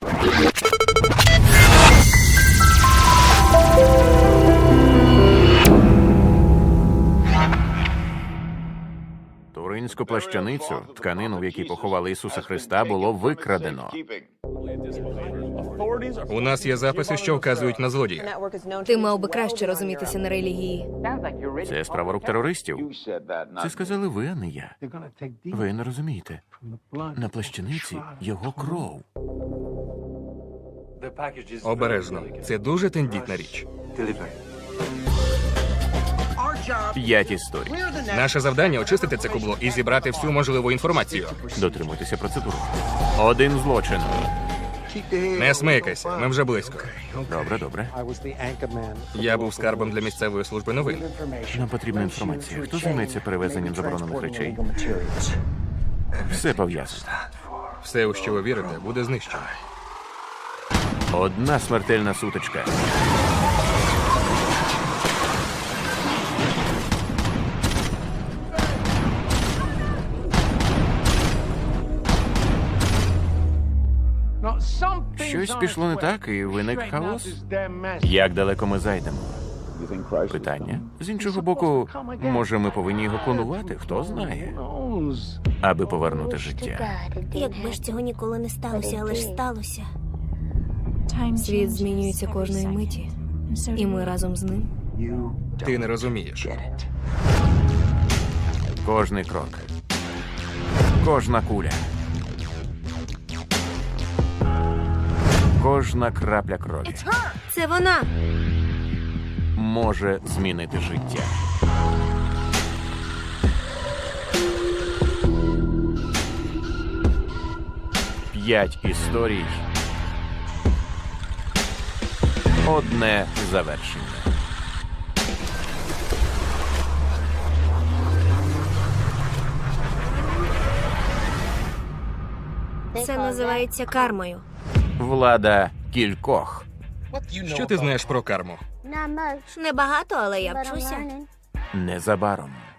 Туринську плащаницю, тканину, в якій поховали Ісуса Христа, було викрадено. У нас є записи, що вказують на злодія. Ти мав би краще розумітися на релігії. Це справа рук терористів. Це сказали ви, а не я. Ви не розумієте. На плащаниці його кров. Обережно. Це дуже тендітна річ. 5 історій. Наше завдання – очистити це кубло і зібрати всю можливу інформацію. Дотримуйтеся процедури. 1 злочин. Не смикайся, ми вже близько. Добре, добре. Я був скарбом для місцевої служби новин. Нам потрібна інформація. Хто займеться перевезенням заборонених речей? Все пов'язано. Все, у що ви вірите, буде знищено. 1 смертельна сутичка. Щось пішло не так, і виник хаос. Як далеко ми зайдемо? Питання. З іншого боку, може, ми повинні його клонувати? Хто знає? Аби повернути життя. Якби ж цього ніколи не сталося, але ж сталося. Світ змінюється кожної миті, і ми разом з ним. Ти не розумієш. Кожний крок. Кожна куля. Кожна крапля крові Це вона! може змінити життя. П'ять історій. Одне завершення. Це називається кармою. Влада кількох. Що ти знаєш про карму? Небагато, але я вчуся. Незабаром.